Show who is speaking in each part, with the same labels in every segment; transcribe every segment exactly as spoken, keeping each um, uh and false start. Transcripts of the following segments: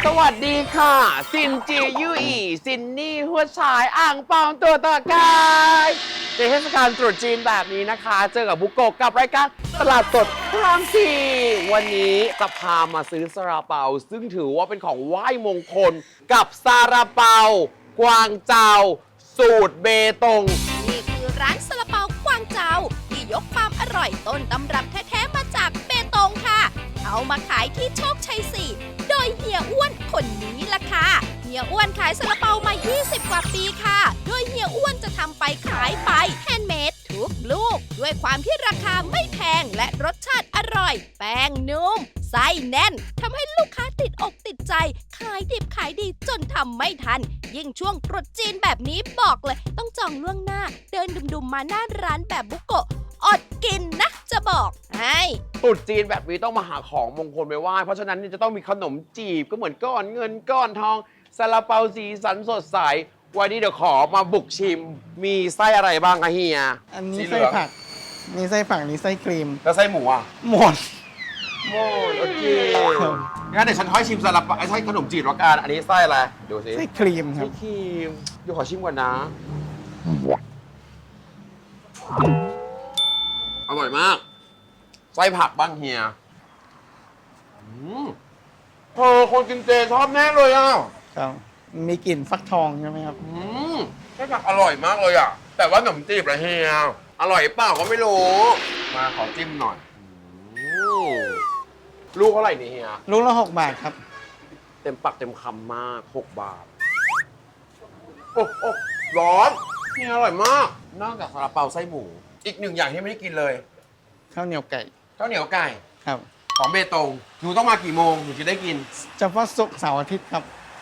Speaker 1: สวัสดีค่ะซินจียูอีซินนี่หัวฉายอ่างเปาตัวต่อกายในเทศกาลตรุษจีนแบบนี้นะคะ เจอกับบุโกะกับรายการตลาดสดพระรามสี่วันนี้จะพามาซื้อซาลาเปาซึ่งถือว่าเป็นของไหว้มงคลกับซาลาเปากวางเจาสูตรเบตง
Speaker 2: นี่คือร้านซาลาเปากวางเจาที่ยกความอร่อยต้นตำรับแท้ๆมาจากเบตงค่ะเอามาขายที่โชคชัยสี่โดยเฮียอ้วนคนนี้ล่ะค่ะเฮียอ้วนขายซาลาเปามายี่สิบกว่าปีค่ะโดยเฮียอ้วนจะทำไปขายไปแฮนด์เมดทุกลูกด้วยความที่ราคาไม่แพงและรสชาติอร่อยแป้งนุ่มไส้แน่นทำให้ลูกค้าติดอกติดใจขายดิบขายดีจนทำไม่ทันยิ่งช่วงตรุษจีนแบบนี้บอกเลยต้องจองล่วงหน้าเดินดุมๆมาหน้าร้านแบบบุโกะอดกินนะจะบอกให้
Speaker 1: ตรุษจีนแบบนี้ต้องมาหาของมงคลไปไหว้เพราะฉะนั้นจะต้องมีขนมจีบก็เหมือนก้อนเงินก้อนทองซาลาเปาสีสันสดใสวันนี้เดี๋ยวขอมาบุกชิมมีไส้อะไรบ้างคะเฮีย
Speaker 3: อันนี้ไส้ผักมีไส้ผักนี่ไส้ครีม
Speaker 1: แล้วไส้หมูอ่ะ
Speaker 3: หมด
Speaker 1: หมดโอเคงั้นเดี๋ยวฉันค่อยชิมซาลาเปาไอ้ไส้ขนมจีบละกันอันนี้ไส้อะไรดูสิ
Speaker 3: ไส้ครีมครับ
Speaker 1: ไส้ครีมเดี๋ยวขอชิมก่อนนะอร่อยมากไส้ผักบ้างเฮียเธอคนกินเจชอบแน่เลยอ่ะ
Speaker 3: ครับมีกลิ่นฟักทองใช่ไหมครับ
Speaker 1: อืมไส้ผักอร่อยมากเลยอ่ะแต่ว่าขนมจีบละเฮียอร่อยเปล่าก็ไม่รู้มาขอจิ้มหน่อยลูกเท่าไหร่นี่เฮีย
Speaker 3: ลูกละหกบาทครับ
Speaker 1: เต็มปักเต็มคำมากหกบาทโอ้โอ้ร้อนเฮียอร่อยมากนอกจากซาลาเปาไส้หมูอีกหนึ่งอย่างที่ไม่ได้กินเลย
Speaker 3: ข้าวเหนียวไก่
Speaker 1: ข้าวเหนียวไก่
Speaker 3: ครับ
Speaker 1: ของเบตงหนูต้องมากี่โมงหนูจะได้กิน
Speaker 3: เฉพาะศุกร์เสาร์อาทิตย์ครับ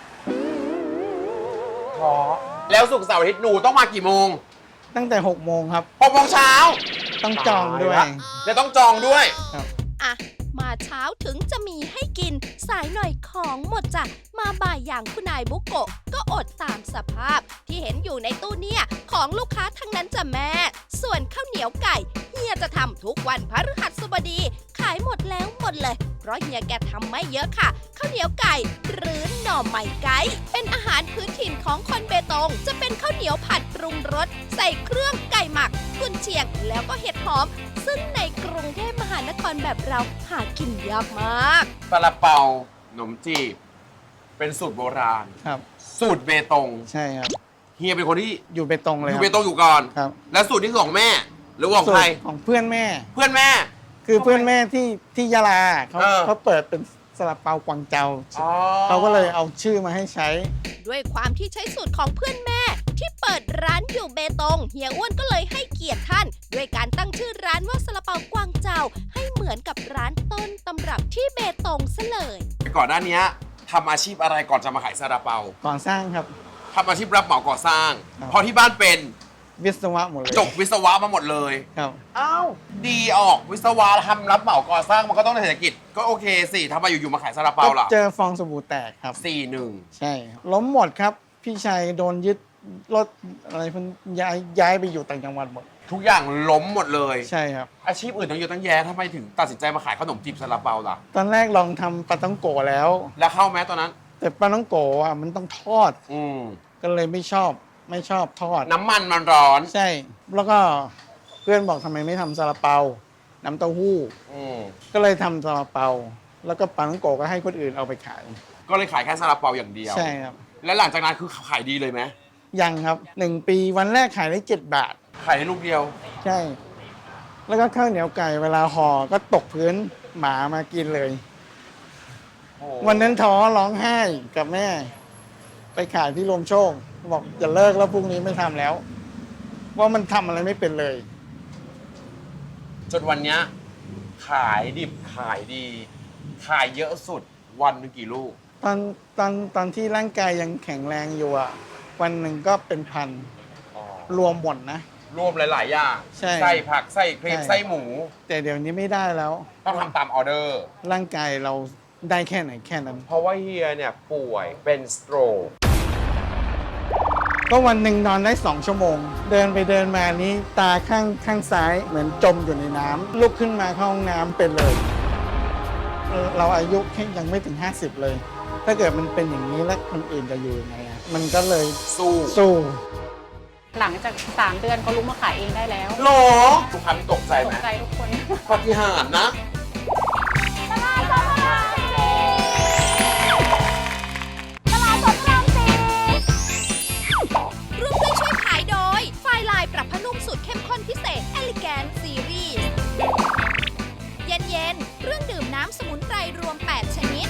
Speaker 1: ขอแล้วศุกร์เสาร์อาทิตย์หนูต้องมากี่โมง
Speaker 3: ตั้งแต่หกโมงครับ
Speaker 1: หกโมงเช้า
Speaker 3: ต้องจองด้วย
Speaker 1: แล้วต้องจองด้วย
Speaker 3: ครับ
Speaker 2: อ่ะมาเช้าถึงจะมีให้กินสายหน่อยของหมดจ้ะมาบ่ายอย่างคุณนายบุโกะก็อดตามสภาพที่เห็นอยู่ในตู้เนี่ยของลูกค้าทั้งนั้นจ้ะแม่ส่วนข้าวเหนียวไก่เฮียจะทำทุกวันพฤหัสบดีขายหมดแล้วหมดเลยเพราะเฮียแกทำไม่เยอะค่ะข้าวเหนียวไก่หรือหน่อไม้ไก่เป็นอาหารพื้นถิ่นของคนเบตงจะเป็นข้าวเหนียวผัดปรุงรสใส่เครื่องไก่หมักกุนเชียงแล้วก็เห็ดหอมซึ่งในกรุงเทพมหานครแบบเราหากินยากมาก
Speaker 1: ซาลาเปาขนมจีบเป็นสูตรโบราณ
Speaker 3: ครับ
Speaker 1: สูตรเบตง
Speaker 3: ใช่ครับ
Speaker 1: เฮียเป็นคนที่
Speaker 3: อยู่เบตงเลย
Speaker 1: อยู่เบตงอยู่ก่อน
Speaker 3: ครับ
Speaker 1: แล้วสูตรที่ของแม่หรือของใคร
Speaker 3: ของเพื่อนแม่
Speaker 1: เพื่อนแม่
Speaker 3: คือเพื่อนแม่ที่ที่ยะลาเขาเขาเปิดเป็นซาลาเปากวางเจาเขาก็เลยเอาชื่อมาให้ใช้
Speaker 2: ด้วยความที่ใช้สูตรของเพื่อนแม่ที่เปิดร้านอยู่เบตงเฮียอ้วนก็เลยให้เกียรติท่านด้วยการตั้งชื่อร้านว่าซาลาเปากวางเจาให้เหมือนกับร้านต้นตำรับที่เบตงซะเลย
Speaker 1: ก่อนหน้านี้ทำอาชีพอะไรก่อนจะมาขายซาลาเปา
Speaker 3: ก่อสร้างครับ
Speaker 1: ทำอาชีพรับเหมาก่อสร้างเพราะที่บ้านเป็น
Speaker 3: วิศวะหมดเลย
Speaker 1: จบวิศวะมาหมดเลย
Speaker 3: ครับ
Speaker 1: อ้าวดีออกวิศวะทำรับเหมาก่อสร้างมันก็ต้องในเศรษฐกิจก็โอเคสิทำไมอยู่ๆมาขายซาลาเปาล่ะ
Speaker 3: เจอฟองสบู่แตกครับ
Speaker 1: สี่หนึ่ง
Speaker 3: ใช่ล้มหมดครับพี่ชัยโดนยึดรถอะไรพันย้ายย้ายไปอยู่ต่างจังหวัดหมด
Speaker 1: ทุกอย่างล้มหมดเลย
Speaker 3: ใช่ครับ
Speaker 1: อาชีพอื่นต้องเยอะตั้งแยะทำไมถึงตัดสินใจมาขายขนมจีบซาลาเปาล่ะ
Speaker 3: ตอนแรกลองทำปลาต้องโกะแล้ว
Speaker 1: แล้วเข้าไหมตอนนั้น
Speaker 3: แต่ปลาต้องโกะอ่ะมันต้องทอด
Speaker 1: อืม
Speaker 3: ก็เลยไม่ชอบไม่ชอบทอด
Speaker 1: น้ำมันมันร้อน
Speaker 3: ใช่แล้วก็เพื่อนบอกทำไมไม่ทำซาลาเปาน้ำเต้าหู้ก็เลยทำซาลาเปาแล้วก็ปลาต้องโกะก็ให้คนอื่นเอาไปขาย
Speaker 1: ก็เลยขายแค่ซาลาเปาอย่างเดียว
Speaker 3: ใช่ครับ
Speaker 1: แล้วหลังจากนั้นคือขายดีเลยไหม
Speaker 3: ยังครับหนึ่งปีวันแรกขายได้เจ็ดบาท
Speaker 1: ขายได้ลูกเดียว
Speaker 3: ใช่แล้วก็ข้าวเหนียวไก่เวลาห่อก็ตกพื้นหมามากินเลยวันนั้นท้อร้องไห้กับแม่ไปขายที่ลมโชคบอกจะเลิกแล้วพรุ่งนี้ไม่ทำแล้วว่ามันทำอะไรไม่เป็นเลย
Speaker 1: จนวันนี้ขายดิบขายดี ขายเยอะสุดวันนึงกี่ลูก
Speaker 3: ตอนตอนตอนที่ร่างกายยังแข็งแรงอยู่อ่ะวันหนึ่งก็เป็นพันรวมหมดนะ
Speaker 1: รวมหลายๆอย่างไส้ผักไส้ครีมไส้หมู
Speaker 3: แต่เดี๋ยวนี้ไม่ได้แล้ว
Speaker 1: ต้องทำตามออเดอร์
Speaker 3: ร่างกายเราได้แค่ไหนแค่นั้น
Speaker 1: เพราะว่าเฮียเนี่ยป่วยเป็นสโตรก
Speaker 3: ก็วันหนึ่งนอนได้สองชั่วโมงเดินไปเดินมานี้ตาข้างข้างซ้ายเหมือนจมอยู่ในน้ำลุกขึ้นมาเข้าห้องน้ำเป็นเลยเราอายุแค่ยังไม่ถึงห้าสิบเลยถ้าเกิดมันเป็นอย่างนี้แล้วคนอื่นจะอยู่ยังไงอะมันก็เลย
Speaker 1: สู้
Speaker 3: สู้
Speaker 4: หลังจากสามเดือนเขาลุกมาขายเองได้แล้ว
Speaker 1: หรอลูกค้ามีตกใจ
Speaker 4: ต
Speaker 1: ไหม
Speaker 4: กใจทุกคน
Speaker 1: ปาฏิหาริย์นะ
Speaker 2: ร่วมด้วยช่วยขายโดย ไฟลายปรับผ้านุ่มสูตรเข้มข้นพิเศษ Elegant Series เย็นเย็นๆเครื่องดื่มน้ำสมุนไพรรวม แปด ชนิด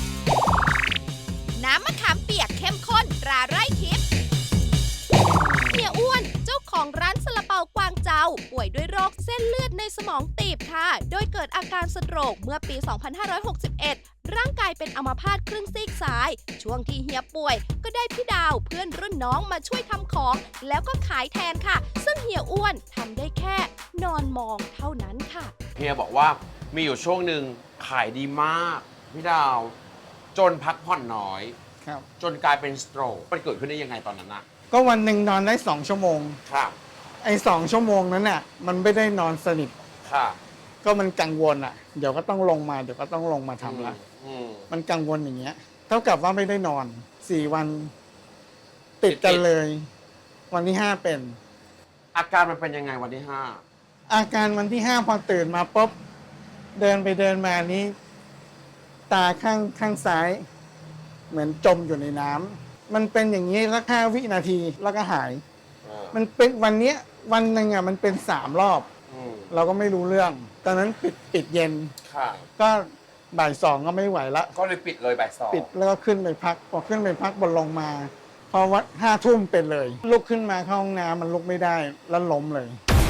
Speaker 2: น้ำมะขามเปียกเข้มข้นตราไร่ทิพย์เฮียอ้วนเจ้าของร้านซาลาเปากวางเจาป่วยด้วยโรคเส้นเลือดในสมองตีบค่ะ โดยเกิดอาการสโตรกเมื่อปี สองพันห้าร้อยหกสิบเอ็ด ร่างกายเป็นอัมพาตครึ่งซีกซ้าย ช่วงที่เฮียป่วยก็ได้พี่ดาวเพื่อนรุ่นน้องมาช่วยทำของ แล้วก็ขายแทนค่ะ ซึ่งเฮียอ้วนทำได้แค่นอนมองเท่านั้นค่ะ
Speaker 1: เฮียบอกว่ามีอยู่ช่วงหนึ่งขายดีมากพี่ดาว จนพักผ่อนน้อย
Speaker 3: ครับ
Speaker 1: จนกลายเป็นสโตรกมันเกิดขึ้นได้ยังไงตอนนั้นนะ
Speaker 3: ก็วันหนึ่งนอนได้สองชั่วโมง
Speaker 1: ค่ะ
Speaker 3: ไอ้สองชั่วโมงนั้นน่ะมันไม่ได้นอนสนิท
Speaker 1: ค่ะ
Speaker 3: ก็มันกังวลอ่ะ เดี๋ยวก็ต้องลงมาเดี๋ยวก็ต้องลงมาทำละ
Speaker 1: อืม
Speaker 3: มันกังวลอย่างเงี้ย เท่ากับว่าไม่ได้นอนสี่วันติดกันเลย วันที่ห้าเป็น
Speaker 1: อาการมันเป็นยังไงวันที่ห้า
Speaker 3: อาการวันที่ห้าพอตื่นมาปุ๊บเดินไปเดินมานี้ ตาข้างข้างซ้าย เหมือนจมอยู่ในน้ำมันเป็นอย่างนี้สักห้าวินาทีแล้วก็หาย
Speaker 1: อ่า
Speaker 3: มันเป็นวันเนี้ยวันหนึ่งอ่ะมันเป็นสามรอบ
Speaker 1: อืม
Speaker 3: เราก็ไม่รู้เรื่อง ตอนนั้นปิดปิดเย็น
Speaker 1: ค่ะ
Speaker 3: ก็บ่ายสองก็ไม่ไหวละ
Speaker 1: ก็เลยปิดเลยบ่ายสอง
Speaker 3: ปิดแล้วก็ขึ้นไปพักพอขึ้นไปพักบนลงมา พอวัดห้าทุ่มเป็นเลย ลุกขึ้นมาเข้าห้องน้ำมันลุกไม่ได้แล้วล้มเลย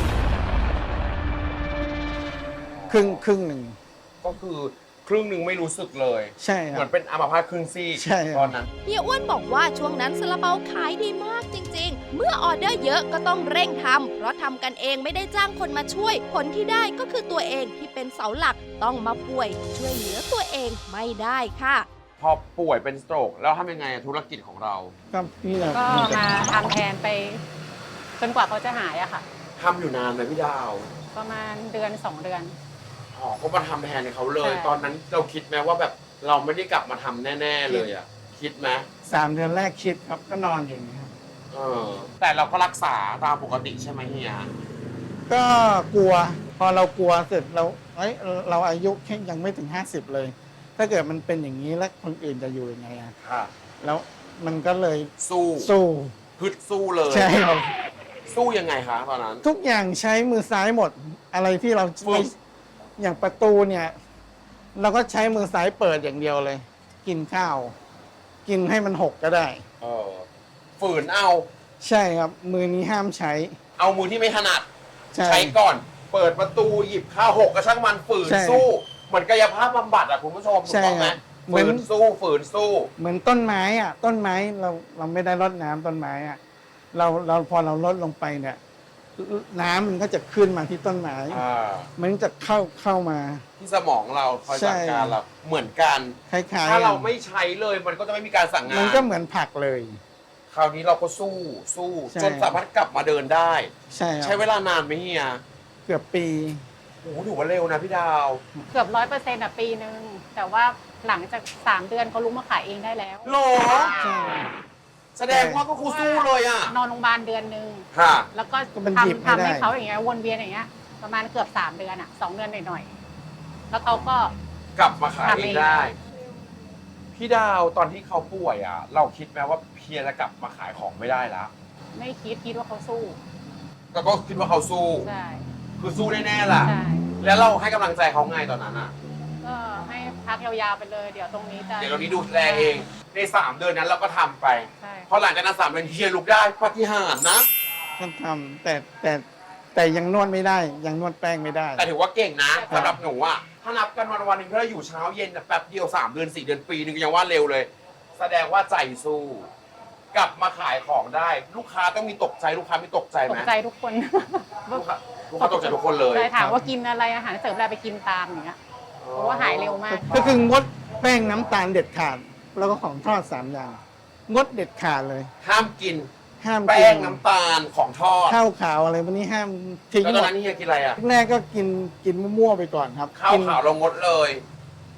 Speaker 3: ครึ่งครึ่งหนึ่ง
Speaker 1: ก็คือครึ่งหนึ่งไม่รู้สึกเลย
Speaker 3: ใช่ค
Speaker 1: เหมื
Speaker 3: รั
Speaker 1: อบ นเป็นอัมพาตครึ่งซีก
Speaker 3: ใช่ครับ
Speaker 1: ตอนนั้น
Speaker 2: เฮียอ้วนบอกว่าช่วงนั้นซาลาเปาขายดีมากจริงๆ เมื่อออเดอร์เยอะก็ต้องเร่งทำ เพราะทำกันเองไม่ได้จ้างคนมาช่วย ผลที่ได้ก็คือตัวเองที่เป็นเสาหลักต้องมาป่วย ช่วยเหลือตัวเองไม่ได้ค่ะ
Speaker 1: พอป่วยเป็นสโตรกแล้วทำยังไงธุรกิจของเรา
Speaker 3: ก็นี่แหละ
Speaker 4: ก็มาทำแทนไป จนกว่าเขาจะหายอะค่ะ
Speaker 1: ทำอยู่นานไหมพี่ดาว
Speaker 4: ประมาณเดือนสองเดือน
Speaker 1: อ๋อก็มาทำแทนเขาเลย
Speaker 4: ใช่
Speaker 1: ตอนนั้นเราคิดไหมว่าแบบเราไม่ได้กลับมาทำแน่ ๆ เลยอ่ะ คิดไหม
Speaker 3: สามเดือนแรกคิดครับก็นอนอยู่อย่างนี้ครับ
Speaker 1: เออ แต่เราก็รักษาตามปกติใช่ไหมเฮีย
Speaker 3: ก็กลัว พอเรากลัวเสร็จเราเอ้ยเราอายุแค่ยังไม่ถึงห้าสิบเลย ถ้าเกิดมันเป็นอย่างนี้แล้วคนอื่นจะอยู่ยังไงอะ
Speaker 1: ค่ะ
Speaker 3: แล้วมันก็เลย
Speaker 1: สู้
Speaker 3: สู้
Speaker 1: พึดสู้เลย
Speaker 3: ใช่ครับ
Speaker 1: สู้ยังไงคะตอนนั้น
Speaker 3: ทุกอย่างใช้มือซ้ายหมด อะไรที่เรา
Speaker 1: ฝึก
Speaker 3: อย่างประตูเนี่ย เราก็ใช้มือซ้ายเปิดอย่างเดียวเลย กินข้าว กินให้มันหกก็ได้
Speaker 1: เออฝืนเอา
Speaker 3: ใช่ครับ มือนี้ห้ามใช้
Speaker 1: เอามือที่ไม่ถนัด
Speaker 3: ใช่
Speaker 1: ใช้ก่อน เปิดประตูหยิบข้าวหกกระช่างมันฝืน
Speaker 3: ใช่
Speaker 1: สู้ เหมือนกายภาพบำบัดอะคุณผู้ชมถูก
Speaker 3: ใช่
Speaker 1: ต้องไหม
Speaker 3: ครับเหมื
Speaker 1: ฝื
Speaker 3: อน
Speaker 1: นสู้ฝืนสู้
Speaker 3: เหมือนต้นไม้อ่ะ ต้นไม้เราเราไม่ได้รดน้ำต้นไม้อ่ะเราเราพอเราลดลงไปเนี่ย น้ำมันก็จะขึ้นมาที่ต้นไม้
Speaker 1: อ่า
Speaker 3: มันจะเข้าเข้ามา
Speaker 1: ที่สมองเราคอย
Speaker 3: ใช่
Speaker 1: สั่งการเราเหมือนกัน
Speaker 3: คล้ายๆ
Speaker 1: ถ้าเรา
Speaker 3: กัน
Speaker 1: ไม่ใช้เลยมันก็จะไม่มีการสั่งงาน
Speaker 3: มันก็เหมือนผักเลย
Speaker 1: คราวนี้เราก็สู้สู้
Speaker 3: ใช่
Speaker 1: จนสามารถกลับมาเดินได้
Speaker 3: ใช่ค
Speaker 1: ใช้
Speaker 3: รับ
Speaker 1: เวลานานไหมเฮีย
Speaker 3: เกือบปี
Speaker 1: โอ้โหถือว่าเร็วนะพี่ดาว
Speaker 4: เกือบร้อยเปอร์เซ็นต์อะปีหนึ่งแต่ว่าหลังจากสามเดือนเขาลุกมาขายเองได้แล้ว
Speaker 1: โหรอ
Speaker 3: ใช่
Speaker 1: แสดงว่าก็ครูสู้เลยอ่ะ
Speaker 4: นอนโรงพยาบาลเดือนหนึ่ง
Speaker 1: ค่ะ
Speaker 4: แล้วก็
Speaker 3: ก็มันหยิบ
Speaker 4: ทำ
Speaker 3: ไม่ได้
Speaker 4: ทำให้เขาอย่างเงี้ยวนเวียนอย่างเงี้ย ประมาณเกือบสามเดือนอะสองเดือนหน่อยๆแล้วเขาก็
Speaker 1: กลับมาขาย
Speaker 4: ทำ
Speaker 1: เอ
Speaker 4: เอง
Speaker 1: งได้ พี่ดาวตอนที่เขาป่วยอ่ะ เราคิดไหมว่าเพียจะกลับมาขายของไม่ได้แล้ว
Speaker 4: ไม่คิดคิดว่าเขาสู้
Speaker 1: แต่ก็คิดว่าเขาสู้
Speaker 4: ใช่
Speaker 1: คือสู้แน่ๆล่ะ
Speaker 4: ใช่
Speaker 1: แล้วเราให้กำลังใจเขาไงตอนนั้นอ่ะ
Speaker 4: ก็ให้พักยาวๆไปเลย เดี๋ยวตรงนี้จะ
Speaker 1: เดี๋ยวเรานี้ดูแลเอง ในสามเดือนนั้นเราก็ทำไป
Speaker 4: ใช่
Speaker 1: พอหลังจากนั้นสามเดือนเฮียลุกได้ปาฏิหาริย์นะ
Speaker 3: ก็ทำแต่แต่แต่ยังนวดไม่ได้ ยังนวดแป้งไม่ได้
Speaker 1: แต่ถือว่าเก่งนะสำหรับหนูอ่ะ ถ้านับกันวันวันๆหนึ่งถ้าเราอยู่เช้าเย็นน่ะแป๊บเดียวสามเดือนสี่เดือนปีหนึ่งยังว่าเร็วเลย แสดงว่าใจสู้ กลับมาขายของได้ ลูกค้าต้องมีตกใจลูกค้ามีตกใจ
Speaker 4: ต
Speaker 1: ไหม
Speaker 4: กใจทุกคน
Speaker 1: ลูกค้าลูกค้าตกใจทุกคนเลย
Speaker 4: ใช่ถามว่ากินอะไรอาหารเสริมอะไรไปกินตามอย่างเงี้ยเพราะว่าหายเร็วมาก
Speaker 3: ก็คืองดแป้งน้ำตาลเด็ดขาด แล้วก็ของทอดสามอย่าง งดเด็ดขาดเลย
Speaker 1: ห้ามกิน
Speaker 3: ห้าม
Speaker 1: แป้
Speaker 3: กิ
Speaker 1: งน้ำตาลของทอด
Speaker 3: ข้าวขาวอะไรพวกนี้ห้ามทิ้ง
Speaker 1: แล้ว
Speaker 3: ห
Speaker 1: ตอน
Speaker 3: มด
Speaker 1: นั้นเฮียกินอะไรอ่ะ
Speaker 3: แรกก็กินกินมั่วๆไปก่อนครับ
Speaker 1: ข้าว
Speaker 3: กิน
Speaker 1: ขาวเรางดเลย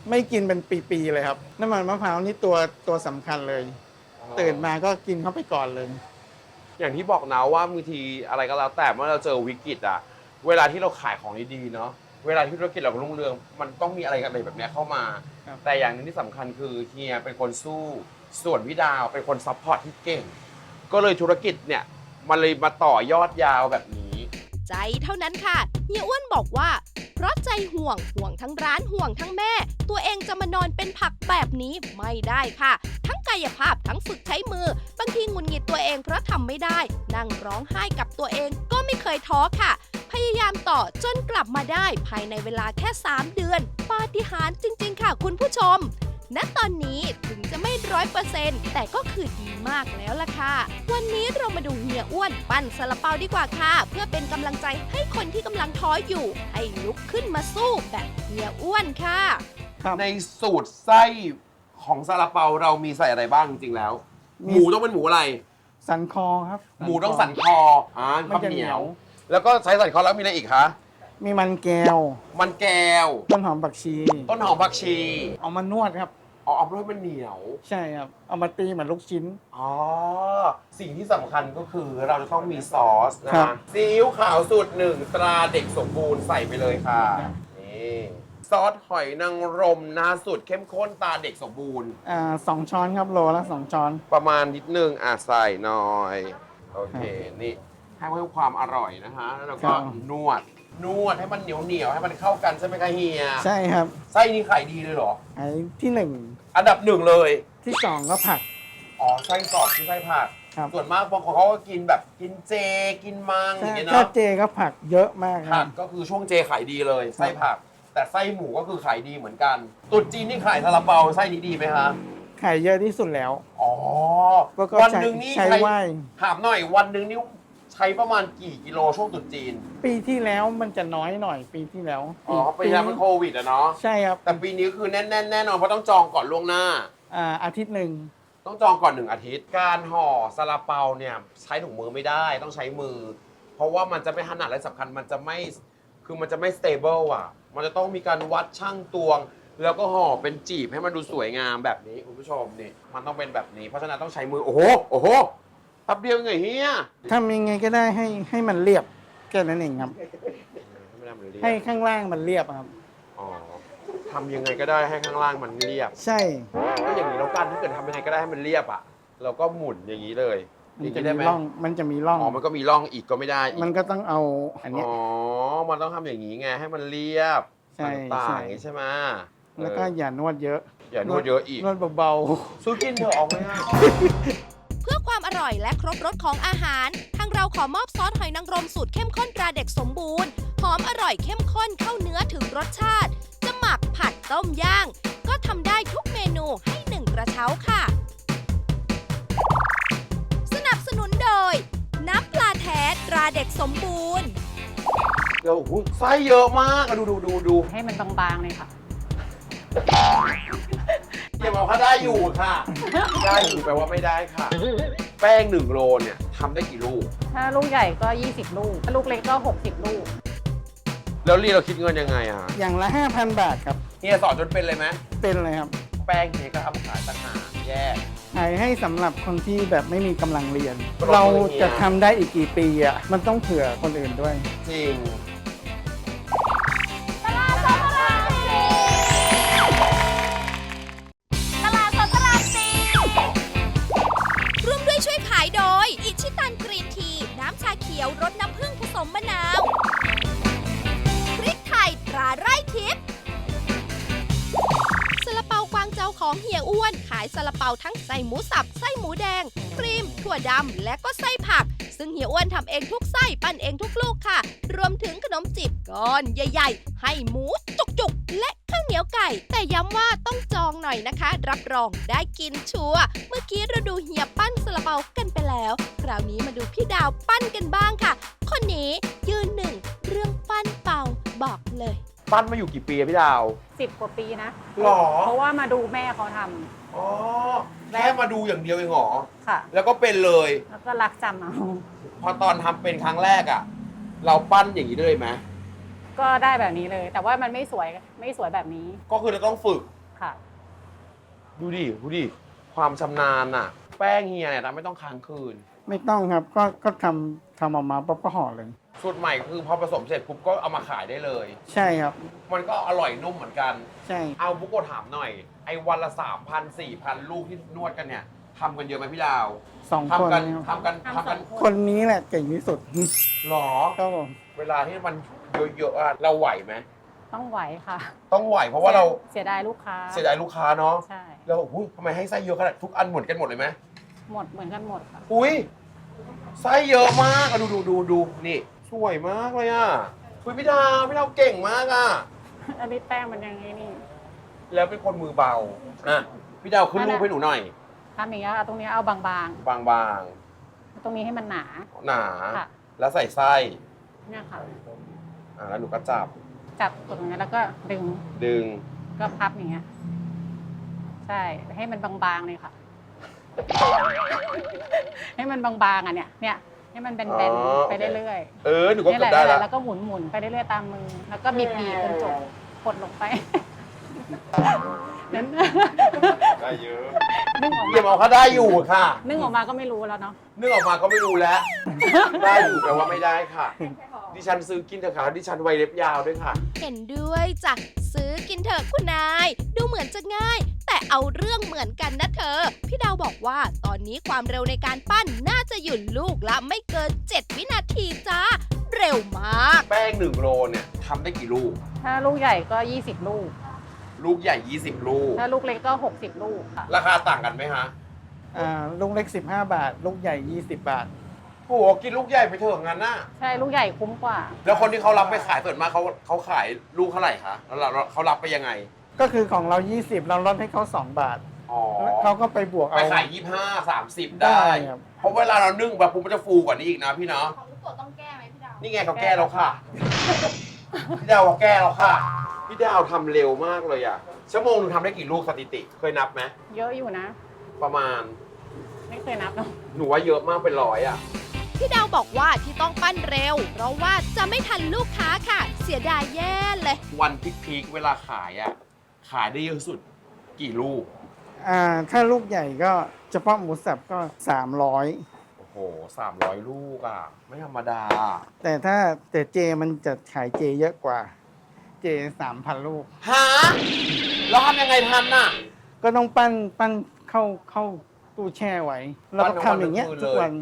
Speaker 3: ไม่กินเป็นปีๆเลยครับน้ำมันมะพร้าวนี่ตัวตัวสำคัญเลย ตื่นมาก็กินเข้าไปก่อนเลย
Speaker 1: อย่างที่บอกนะว่าบางทีอะไรก็แล้วแต่เมื่อเราเจอวิกฤตอะเวลาที่เราขายของดีๆเนาะเวลาที่ธุรกิจเรารุ่งเรืองมันต้องมีอะไรอะไรแบบเนี้ยเข้ามา
Speaker 3: ครับ
Speaker 1: แต่อย่างหนึงที่สำคัญคือเฮียเป็นคนสู้ส่วนพี่ดาวเป็นคนซัพพอร์ตที่เก่ง ก็เลยธุรกิจเนี่ยมันเลยมาต่อยอดยาวแบบนี้
Speaker 2: ใจเท่านั้นค่ะเฮียอ้วนบอกว่า เพราะใจห่วงห่วงทั้งร้านห่วงทั้งแม่ ตัวเองจะมานอนเป็นผักแบบนี้ไม่ได้ค่ะ ทั้งกายภาพทั้งฝึกใช้มือบางทีหงุดหงิดตัวเองเพราะทำไม่ได้ นั่งร้องไห้กับตัวเองก็ไม่เคยท้อค่ะ พยายามต่อจนกลับมาได้ภายในเวลาแค่สามเดือนปาฏิหาริย์จริงๆค่ะคุณผู้ชม ณ ตอนนี้ถึงจะไม่ร้อยเปอร์เซ็นต์แต่ก็คือดีมากแล้วล่ะค่ะ วันนี้เรามาดูเฮียอ้วนปั้นซาลาเปาดีกว่าค่ะ เพื่อเป็นกำลังใจให้คนที่กำลังท้ออยู่ ให้ลุกขึ้นมาสู้แบบเฮียอ้วนค่ะ
Speaker 3: ครับ
Speaker 1: ในสูตรไส้ของซาลาเปาเรามีใส่อะไรบ้างจริงๆแล้ว
Speaker 3: มี
Speaker 1: หมูต้องเป็นหมูอะไร
Speaker 3: สันคอครับ
Speaker 1: หมูต้องสันคออ่า
Speaker 3: มัน
Speaker 1: ข้าว
Speaker 3: จะ
Speaker 1: เห
Speaker 3: เห
Speaker 1: นี
Speaker 3: นี
Speaker 1: ย
Speaker 3: ยว ว
Speaker 1: แล้วก็ใช้สันคอแล้วมีอะไรอีกคะ
Speaker 3: มีมันแก้ว
Speaker 1: มันแก้ว
Speaker 3: ต้นหอมผักชี
Speaker 1: ต้นหอมผักชี
Speaker 3: เอามานวดครับ
Speaker 1: เอาเอาเพื่อให้มันเหนียว
Speaker 3: ใช่ครับ เอามาตีเหมือนลูกชิ้น
Speaker 1: อ๋อ สิ่งที่สำคัญก็คือเราจะต้องมีซอสนะ
Speaker 3: ครั
Speaker 1: คะ
Speaker 3: บ
Speaker 1: ซีอิ๊วขาวสูตรหนึ่งตราเด็กสมบูรณ์ใส่ไปเลยค่ะนี่ซอสหอยนางรมนะสูตรเข้มข้นตราเด็กสมบูรณ์
Speaker 3: อ่าสองช้อนครับโลละสองช้อน
Speaker 1: ประมาณนิดนึงอ่ะใส่หน่อย โอเค นี่ให้เพิ่มความอร่อยนะคะแล้วเราก็
Speaker 3: ครับ
Speaker 1: นวด นวดให้มันเหนียวเหนียวๆให้มันเข้ากันใช่ไหมคะเฮีย
Speaker 3: ใช่ครับ
Speaker 1: ไส้นี่ขายดีเลยเหรอ
Speaker 3: ไอ้ที่หนึ่ง
Speaker 1: อันดับหนึ่งเลย
Speaker 3: ที่สองก็ผัก
Speaker 1: อ๋อ ไส้กรอกที่ไส้ผัก
Speaker 3: ครับ
Speaker 1: ส่วนมากบางคนเขาก็กินแบบกินเจ กินมังอย่างเงี้ย
Speaker 3: ถ้า
Speaker 1: เนาะ
Speaker 3: เจก็ผักเยอะมากค
Speaker 1: ผั
Speaker 3: รั
Speaker 1: ก
Speaker 3: บ
Speaker 1: ก็คือช่วงเจขายดีเลย ไส้ผัก แต่ไส้หมูก็คือขายดีเหมือนกันตรุ๊จีนนี่ขายซาลาเปาไส้นี้ดีไหมคะ
Speaker 3: ไข่เยอะที่สุดแล้ว
Speaker 1: อ๋อ
Speaker 3: ก็ก็
Speaker 1: วัน
Speaker 3: ใช้
Speaker 1: หนึ่งนี่
Speaker 3: ใช้
Speaker 1: ใช้
Speaker 3: ไหว้
Speaker 1: ถามหน่อยวันหนึ่งนี่ใช้ประมาณกี่กิโลช่วงตรุ๊จีน
Speaker 3: ปีที่แล้วมันจะน้อยหน่อยปีที่แล้ว
Speaker 1: อ๋อปีที่แล้วมันโควิดอะเนาะ
Speaker 3: ใช่ครับ
Speaker 1: แต่ปีนี้คือแน่นๆแน่นอนเพราะต้องจองก่อนล่วงหน้า
Speaker 3: อ่าอาทิตย์หนึ่ง
Speaker 1: ต้องจองก่อนหนึ่งอาทิตย์ การห่อซาลาเปาเนี่ยใช้ถุงมือไม่ได้ต้องใช้มือ เพราะว่ามันจะไม่ถนัดและสำคัญมันจะไม่คือมันจะไม่สเตเบิลอ่ะ มันจะต้องมีการวัดช่างตวง แล้วก็ห่อเป็นจีบให้มันดูสวยงามแบบนี้คุณผู้ชมนี่มันต้องเป็นแบบนี้ เพราะฉะนั้นต้องใช้มือโอ้โหโอ้โหแป๊บเดียวไงเฮีย
Speaker 3: ทำยังไงก็ได้ให้ให้มันเรียบแค่นั้นเองครับ
Speaker 1: ไม่ได้มันเรียบ
Speaker 3: ให้ข้างล่างมันเรียบครับ
Speaker 1: อ๋อทำยังไงก็ได้ให้ข้างล่างมันเรียบ
Speaker 3: ใช่
Speaker 1: ก็อย่างนี้แล้วกันถ้าเกิดทำยังไงก็ได้ให้มันเรียบอ่ะเราก็หมุนอย่างนี้เลย
Speaker 3: มัน
Speaker 1: นี่
Speaker 3: จะ
Speaker 1: ได้
Speaker 3: มี
Speaker 1: ไหม
Speaker 3: ร่องมันจะมีร่อง
Speaker 1: อ๋อมันก็มีร่องอีกก็ไม่ได้อีก
Speaker 3: มันก็ต้องเอาอันเนี้ย
Speaker 1: อ๋อ มันต้องทำอย่างนี้ไงให้มันเรียบ
Speaker 3: ใช่
Speaker 1: ต่า
Speaker 3: ใช่
Speaker 1: งๆอย่างนี้ใช่ไหม
Speaker 3: แล้วก็
Speaker 1: เออ
Speaker 3: อย่านวดเยอะ
Speaker 1: อย่านวดเยอะอีก
Speaker 3: นวดเบา
Speaker 1: ซื้อกินเถอะออกง่าย
Speaker 2: เพื่อความอร่อยและครบรสของอาหาร ทางเราขอมอบซอสหอยนางรมสูตรเข้มข้นตราเด็กสมบูรณ์ หอมอร่อยเข้มข้นเข้าเนื้อถึงรสชาติ จะหมักผัดต้มย่าง ก็ทำได้ทุกเมนูให้หนึ่งกระเช้าค่ะ สนับสนุนโดย น้ำปลาแท้ตราเด็กสมบูรณ์
Speaker 1: ๆเดี๋ยวโอ้โหไส้เยอะมากอะดูดูดูดู
Speaker 4: ให้มันบางๆเลยค่ะ
Speaker 1: อย่าบอกว่าได้อยู่ค่ะ ได้อยู่แปลว่าไม่ได้ค่ะ แป้งหนึ่งโลเนี่ยทำได้กี่ลูก
Speaker 4: ถ้าลูกใหญ่ก็ ยี่สิบ ลูก ถ้าลูกเล็กก็ หกสิบ ลูก
Speaker 1: แล้วรีเราคิดเงินยังไงอะ
Speaker 3: ๆ อย่างละ ห้าพัน บาทครับ
Speaker 1: เฮียสอนจนเป็นเลยไหม
Speaker 3: เป็นเลยครับ
Speaker 1: แป้งเฮียก็ทำขายต่างหากแยก
Speaker 3: ขายให้สำหรับคนที่แบบไม่มีกำลังเรียน
Speaker 1: ปรบมือ
Speaker 3: เรา
Speaker 1: เฮีย
Speaker 3: จะทำได้อีกกี่ปีอ่ะ มันต้องเผื่อคนอื่นด้วย
Speaker 1: จริง
Speaker 2: ร่วมด้วยช่วยขายโดย อิชิตันกรีนที น้ำชาเขียวรสน้ำผึ้งผสมมะนาว พริกไทยตราไร่ทิพย์ซาลาเปากวางเจาของเฮียอ้วน ขายซาลาเปาทั้งไส้หมูสับ ไส้หมูแดง ครีม ถั่วดำ และก็ไส้ผัก ซึ่งเฮียอ้วนทำเองทุกไส้ ปั้นเองทุกลูกค่ะ รวมถึงขนมจีบก้อนใหญ่ๆ ให้หมูจุกๆ และข้าวเหนียวไก่ แต่ย้ำว่าต้องจองหน่อยนะคะ รับรองได้กินชัวร์เมื่อกี้เราดูเฮียปั้นซาลาเปากันไปแล้ว คราวนี้มาดูพี่ดาวปั้นกันบ้างค่ะ คนนี้ยืนหนึ่งเรื่องปั้นเป่าบอกเลย
Speaker 1: ปั้นมาอยู่กี่ปีอะพี่ดาว
Speaker 4: สิบ กว่าปีนะ
Speaker 1: หรอ
Speaker 4: เพราะว่ามาดูแม่เขาทำ
Speaker 1: อ๋อแค่มาดูอย่างเดียวเองเหรอ
Speaker 4: ค่ะ
Speaker 1: แล้วก็เป็นเลย
Speaker 4: แล้วก็รักจำเอา
Speaker 1: พอตอนทำเป็นครั้งแรกอะเราปั้นอย่างนี้ได้เลยไหม
Speaker 4: ก็ได้แบบนี้เลย แต่ว่ามันไม่สวย ไม่สวยแบบนี้
Speaker 1: ก็คือเราต้องฝึก
Speaker 4: ค่ะ
Speaker 1: ดูดิ ดูดิ ความชำนาญอะแป้งเฮียเนี่ยนะไม่ต้องค้างคืน
Speaker 3: ไม่ต้องครับ ก็ก็ทำทำออกมาปั๊บก็ห่อเลย
Speaker 1: สูตรใหม่คือพอผสมเสร็จปุ๊บก็เอามาขายได้เลย
Speaker 3: ใช่ครับ
Speaker 1: มันก็อร่อยนุ่มเหมือนกัน
Speaker 3: ใช่
Speaker 1: เอาบุกโกะถามหน่อย ไอ้วันละสามพันสี่พันลูกที่นวดกันเนี่ยทำกันเยอะไหมพี่ดาว
Speaker 3: สองคน
Speaker 1: ทำกัน
Speaker 3: ครับ
Speaker 1: ทำกัน
Speaker 4: ทำ
Speaker 1: ทำกัน
Speaker 4: สอง
Speaker 3: คนนี้แหละเก่งที่สุด
Speaker 1: หรอ
Speaker 3: ครับผม
Speaker 1: เวลาที่มันเยอะๆอะเราไหวไหม
Speaker 4: ต้องไหวค่ะ
Speaker 1: ต้องไหวเพราะว่าเรา
Speaker 4: เสียดายลูกค้า
Speaker 1: เสียดายลูกค้าเนาะ
Speaker 4: ใช่
Speaker 1: แล้วอุ้ยทำไมให้ไส้เยอะขนาดทุกอันเหมือนกันหมดเลยไหม
Speaker 4: หมดเหมือนกันหมดค่ะ
Speaker 1: อุ้ยไส้เยอะมากอะดูดูดูดูนี่สวยมากเลยอ่ะคุยพี่ดาวพี่ดาวเก่งมากอ่ะ
Speaker 4: อันนี้แป้งมันยังไงนี่
Speaker 1: แล้วเป็นคนมือเบาอ่ะพี่ดาวขึ้นรูปให้หนูหน่อย
Speaker 4: ทำอย่างเงี้ยเอาตรงนี้เอาบาง
Speaker 1: บาง
Speaker 4: ๆ ตรงนี้ให้มันหนา
Speaker 1: ๆ หนา
Speaker 4: ค่ะ
Speaker 1: แล้วใส่ไส้
Speaker 4: เนี่ยค่ะ
Speaker 1: อ่ะแล้วหนูก็จับ
Speaker 4: จับตรงนี้แล้วก็ดึง
Speaker 1: ดึง
Speaker 4: ก็พับอย่างเงี้ย ใช่ ให้มันบางๆเลยค่ะ ให้มันบางๆอ่ะเนี่ย เนี่ย ให้มันแบน
Speaker 1: อ๋อ
Speaker 4: ๆไปเรื่อย
Speaker 1: เออหนู
Speaker 4: ๆ
Speaker 1: ก็
Speaker 4: นี่
Speaker 1: เกื
Speaker 4: แห
Speaker 1: อบ
Speaker 4: ละ
Speaker 1: ได้แล้ว
Speaker 4: แล้วก็หมุนๆไปเรื่อยๆตามมือ แล้วก็บีบๆจนจบกดลงไป นั้น
Speaker 1: ได้เยอะ
Speaker 4: นึ่งออก
Speaker 1: เยี่ยม
Speaker 4: มา
Speaker 1: เอาเขาได้อยู่ค่ะ
Speaker 4: นึ่งออกมาก็ไม่รู้แล้วเนาะ
Speaker 1: นึกออกมาก็ไม่รู้แล้ว ได้อยู่แปลว่าไม่ได้ค่ะ ดิฉันซื้อกินเถอะค่ะดิฉันไวเล็บยาวด้วยค่ะ
Speaker 2: เห็นด้วยจ้ะซื้อกินเถอะคุณนาย ดูเหมือนจะง่าย แต่เอาเรื่องเหมือนกันนะเธอ พี่ดาวบอกว่าตอนนี้ความเร็วในการปั้นน่าจะหยุดลูกละไม่เกิน เจ็ด วินาทีจ้า เร็วมาก
Speaker 1: แป้งหนึ่งโลเนี่ยทำได้กี่ลูก
Speaker 4: ถ้าลูกใหญ่ก็ยี่สิบลูก
Speaker 1: ลูกใหญ่ยี่สิบลูก
Speaker 4: ถ้าลูกเล็กก็หกสิบลูกค่ะ
Speaker 1: ราคาต่างกันไหมฮะ
Speaker 3: อ่าลูกเล็กสิบห้าบาท ลูกใหญ่ยี่สิบบาท
Speaker 1: โอ้โหกินลูกใหญ่ไปเถอะงั้นน่ะ
Speaker 4: ใช่ ลูกใหญ่คุ้มกว่า
Speaker 1: แล้วคนที่เขารับไปขายส่วนมากเขาเขาขายลูกเท่าไหร่คะแล้วเราเขารับไปยังไง
Speaker 3: ก็คือของเรายี่สิบเราลดให้เขาสองบาท
Speaker 1: อ๋อ
Speaker 3: แล้วเขาก็ไปบวก
Speaker 1: ไป
Speaker 3: เอา
Speaker 1: ขายยี่ห้าสามสิบ
Speaker 3: ได้
Speaker 1: ได้
Speaker 3: ครับ
Speaker 1: เพราะเวลาเรานึ่งแบบปุ๊บมันจะฟูกว่านี้อีกนะพี่เนาะ
Speaker 2: ของลูกโกต้องแก้ไหมพี่ดาว
Speaker 1: นี่ไงเขาแก้แล้วค่ะ พี่ดาวเขาแก้แล้วค่ะ พี่ดาวทำเร็วมากเลยอ่ะ ชั่วโมงหนึงทำได้กี่ลูกสถิติ เคยนับไหม
Speaker 4: เยอะอยู่นะ
Speaker 1: ประมาณ
Speaker 4: ไม่เคยนับเนาะ
Speaker 1: หนูว่าเยอะมากเป็นร้อยอ่ะ
Speaker 2: พี่ดาวบอกว่าที่ต้องปั้นเร็ว เพราะว่าจะไม่ทันลูกค้าค่ะ เสียดายแย่เลย
Speaker 1: วันพีคๆเวลาขายอ่ะ ขายได้เยอะสุดกี่ลูก
Speaker 3: อ่าถ้าลูกใหญ่ก็เฉพาะหมูสับก็สามร้อย
Speaker 1: โอ้โหสามร้อยลูกอ่ะ ไม่ธรรมดา
Speaker 3: แต่ถ้าแต่เจมันจะขายเจเยอะกว่า เจสามพันลูก
Speaker 1: หาแล้วทำยังไงทันน่ะ
Speaker 3: ก็ต้องปั้นปั้นเข้าเข้าตู้แช่ไว้ แล้วก็ทำอย่างเงี้ย
Speaker 1: ปั้น
Speaker 3: ทุ
Speaker 1: ทั้
Speaker 3: ก
Speaker 1: งวั
Speaker 3: วัน น
Speaker 1: เลย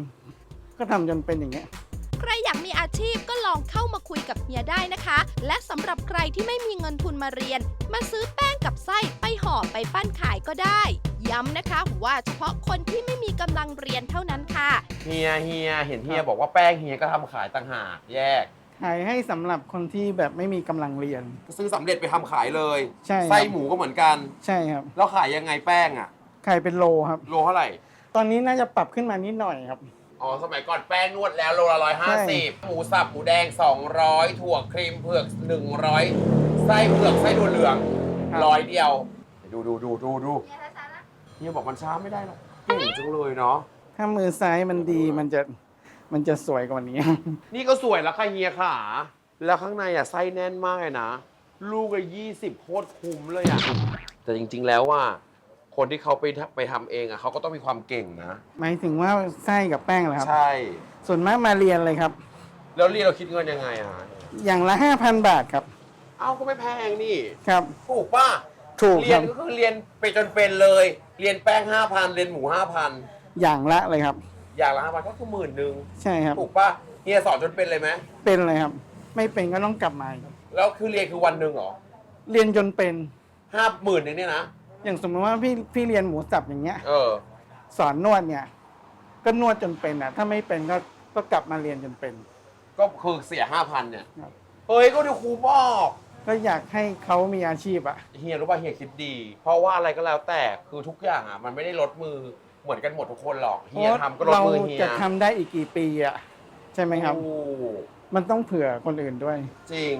Speaker 3: ก็ทำจนเป็นอย่างเงี้ย
Speaker 2: ใครอยากมีอาชีพก็ลองเข้ามาคุยกับเฮียได้นะคะ และสำหรับใครที่ไม่มีเงินทุนมาเรียน มาซื้อแป้งกับไส้ไปห่อไปปั้นขายก็ได้ ย้ำนะคะว่าเฉพาะคนที่ไม่มีกำลังเรียนเท่านั้นค่ะ
Speaker 1: เฮียเฮียเห็นเฮียบอกว่าแป้งเฮียก็ทำขายต่างหากแยก
Speaker 3: ขายให้สำหรับคนที่แบบไม่มีกำลังเรียน
Speaker 1: ซื้อสำเร็จไปทำขายเลย
Speaker 3: ใช่ครับ
Speaker 1: ไส้หมูก็เหมือนกัน
Speaker 3: ใช่ครับ
Speaker 1: แล้วขายยังไงแป้งอ่ะ
Speaker 3: ขายเป็นโลครับ
Speaker 1: โลเท่าไหร่
Speaker 3: ตอนนี้น่าจะปรับขึ้นมานิดหน่อยครับ
Speaker 1: อ๋อ สมัยก่อนแป้งนวดแล้วโลละร้อยห้า
Speaker 3: ใช่
Speaker 1: สิบหมูสับหมูแดงสองร้อยถั่วครีมเผือกหนึ่งร้อยไส้เผือกไส้ถั่วเหลืองร้อยเดียว ดูดูดูดูดูเฮียบอกมันช้าไม่ได้หรอกเก่งจังเลยเนาะ
Speaker 3: ถ้ามือซ้ายมันดีมันจะมันจะสวยกว่านี้
Speaker 1: นี่ก็สวยแล้วค่ะเฮียขาแล้วข้างในอ่ะไส้แน่นมากเลยนะ ลูกละยี่สิบโคตรคุ้มเลยอ่ะ แต่จริง ๆ แล้วว่า คนที่เขาไปทำไปทำเองอ่ะเขาก็ต้องมีความเก่งนะ
Speaker 3: หมายถึงว่าไส้กับแป้งเหรอครับ
Speaker 1: ใช่
Speaker 3: ส่วนมากมาเรียนเลยครับ
Speaker 1: แล้วเรียนเราคิดเงินยังไงอ่ะ
Speaker 3: อย่างละห้าพันบาทครับ
Speaker 1: เอ้าก็ไม่แพงนี่
Speaker 3: ครับ
Speaker 1: ถูกป่ะ
Speaker 3: ถูก
Speaker 1: เรี
Speaker 3: ค
Speaker 1: ย
Speaker 3: รั
Speaker 1: น
Speaker 3: บ
Speaker 1: ก็คือเรียนไปจนเป็นเลย เรียนแป้งห้าพันเรียนหมูห้าพัน
Speaker 3: อย่างละเลยครับ
Speaker 1: อย่างละห้าพันก็คือหมื่นหนึ่ง
Speaker 3: ใช่ครับ
Speaker 1: ถูกป่ะเฮียสอนจนเป็นเลยไหม
Speaker 3: เป็นเลยครับ ไม่เป็นก็ต้องกลับมาอีก
Speaker 1: แล้วคือเรียนคือวันหนึ่งเหรอ
Speaker 3: เรียนจนเป็น
Speaker 1: ห้าหมื่นหนึ่งเนี่ยนะ
Speaker 3: อย่างสมมติว่าพี่พี่เรียนหมูสับอย่างเงี้ย
Speaker 1: เออ
Speaker 3: สอนนวดเนี่ย ก็นวดจนเป็นอ่ะ ถ้าไม่เป็นก็ก็กลับมาเรียนจนเป็น
Speaker 1: ก็คือเสียห้าพันเนี่ย
Speaker 3: ครับ
Speaker 1: เฮ้ยก็ดูครูบอก
Speaker 3: ก็อยากให้เขามีอาชีพอ่ะ
Speaker 1: เฮียรู้ป่ะเฮียคิดดี เพราะว่าอะไรก็แล้วแต่คือทุกอย่างอ่ะมันไม่ได้ลดมือเหมือนกันหมดทุกคนหรอกเฮียทำก็ลด
Speaker 3: เรา
Speaker 1: มือเฮีย
Speaker 3: จะทำได้อีกกี่ปีอ่ะ ใช่ไหมครับ
Speaker 1: ถูก
Speaker 3: มันต้องเผื่อคนอื่นด้วย
Speaker 1: จริง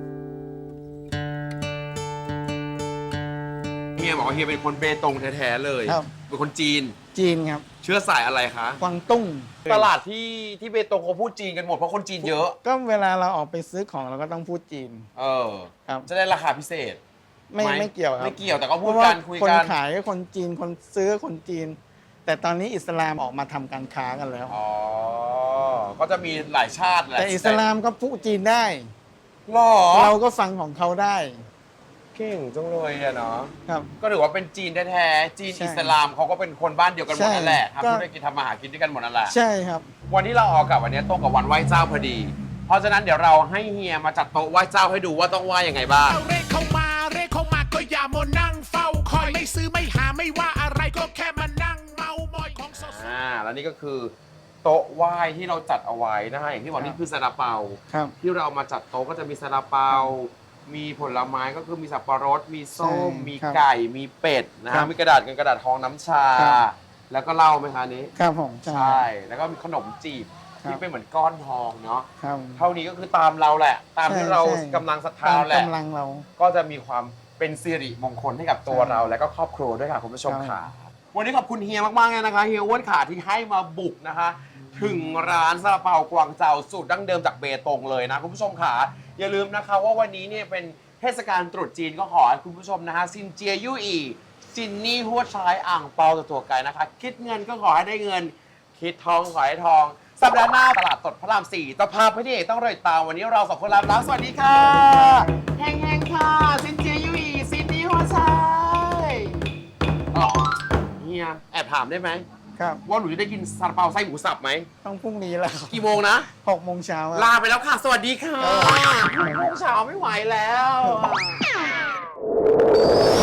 Speaker 1: เฮียบอกว่าเฮียเป็นคนเบตงแท้ๆเลย
Speaker 3: ครับ
Speaker 1: เป็นคนจีน
Speaker 3: จีนครับ
Speaker 1: เชื้อสายอะไรคะ
Speaker 3: กวางตุ้ง
Speaker 1: ตลาดที่ที่เบตงเขาพูดจีนกันหมดเพราะคนจีนเยอะ
Speaker 3: ก็เวลาเราออกไปซื้อของเราก็ต้องพูดจีน
Speaker 1: เออ
Speaker 3: ครับ
Speaker 1: จะได้ราคาพิเศษ
Speaker 3: ไม่
Speaker 1: ไหม
Speaker 3: ไม่เกี่ยวครับ
Speaker 1: ไม่เกี่ยวแต่ก็
Speaker 3: เพ
Speaker 1: พูด
Speaker 3: ราะว่า
Speaker 1: กันคุย
Speaker 3: คน
Speaker 1: กัน
Speaker 3: ขายก็คนจีนคนซื้อก็คนจีน แต่ตอนนี้อิสลามออกมาทำการค้ากันแล้ว
Speaker 1: อ๋อ ก็จะมีหลายชาติแหละ
Speaker 3: แต่อิสลามก็พูดจีนได้
Speaker 1: หรอ
Speaker 3: เราก็ฟังของเขาได้
Speaker 1: เก่งจังเลยอะเนาะ
Speaker 3: ครับ
Speaker 1: ก็ถือว่าเป็นจีนแท้ๆ จีน
Speaker 3: ใช่
Speaker 1: อิสลามเขาก็เป็นคนบ้านเดียวกันหมดนั่นแหละ
Speaker 3: ใช่ก็
Speaker 1: ทำธุรกิจทำมาหากินด้วยกันหมดนั่นแหละ
Speaker 3: ใช่ครับ
Speaker 1: วันที่เราออกกับวันนี้ตรงกับวันไหว้เจ้าพอดี เพราะฉะนั้นเดี๋ยวเราให้เฮียมาจัดโต๊ะไหว้เจ้าให้ดูว่าต้องไหว้ยังไงบ้าง
Speaker 5: เอาเรขเข้ามาเรขเข้ามาก็อย่ามานั่งเฝ้าคอยไม่ซื้อไม่หาไม่ว่าอะไรก็แค่มานั่งเมามอยของสด
Speaker 1: อ่า แล้วนี่ก็คือโต๊ะไหว้ที่เราจัดเอาไว้นะฮะอย่างที่บอก
Speaker 3: ครับ
Speaker 1: นี่คือซาลาเปา
Speaker 3: ครับ
Speaker 1: ที่เราเอามาจัดโต๊ะก็จะมีซาลาเปา มีผลไม้ก็คือมีสับปะรด มีส้ม
Speaker 3: ใช่
Speaker 1: มี
Speaker 3: ครับ
Speaker 1: ไก่ มีเป็ดนะ
Speaker 3: ครั
Speaker 1: ฮะ
Speaker 3: บ
Speaker 1: มีกระดาษเงินกระดาษทองน้ำชา
Speaker 3: ครับ
Speaker 1: แล้วก็เหล้าไหมคะอันนี้
Speaker 3: ครับผม
Speaker 1: ใช่ แล้วก็มีขนมจีบ
Speaker 3: ครับ
Speaker 1: ที่เป็นเหมือนก้อนทองเนาะ
Speaker 3: ครับ
Speaker 1: เท่านี้ก็คือตามเราแหละ ตามที่
Speaker 3: ใช่
Speaker 1: เรา
Speaker 3: ใช่
Speaker 1: กำลังศรัทธา
Speaker 3: ตาม
Speaker 1: แหละ
Speaker 3: กำลังเรา
Speaker 1: ก็จะมีความเป็นสิริมงคลให้กับตัว
Speaker 3: ใช่
Speaker 1: เราและก็ครอบครัวด้วยค่ะคุณผู้ชม
Speaker 3: ครั
Speaker 1: ค่ะ
Speaker 3: บ
Speaker 1: วันนี้ขอบคุณเฮียมากๆเลยนะคะเฮียอ้วนขาที่ให้มาบุกนะคะ ถึงร้านซาลาเปากวางเจาสูตรดั้งเดิมจากเบตงเลยนะคุณผู้ชมค่ะอย่าลืมนะคะว่าวันนี้เนี่ยเป็นเทศกาลตรุษจีนก็ขอให้คุณผู้ชมนะคะซินเจียยู่อีซินนี่หัวชายอ่างเปาตัวตัวไกลนะคะ คิดเงินก็ขอให้ได้เงิน คิดทองขอให้ทอง สัปดาห์หน้าตลาดสดพระรามสี่ตะพาพระเอกต้องรอติดตามวันนี้เราสองคนลาไปแล้วสวัสดีค่ะแห้งๆค่ะซินเจียยู่อีซินนี่หัวชายอ๋อเฮียแอบถามได้ไหม
Speaker 3: ครับ
Speaker 1: ว่าหนูจะได้กินซาลาเปาไส้หมูสับไหม
Speaker 3: ต้องพรุ่งนี้แล้วครับ
Speaker 1: กี่โมงนะ
Speaker 3: หกโมงเช้าครับ
Speaker 1: ลาไปแล้วค่ะ สวัสดีค่ะ
Speaker 3: เออ
Speaker 1: หกโมงเช้าไม่ไหวแล้ว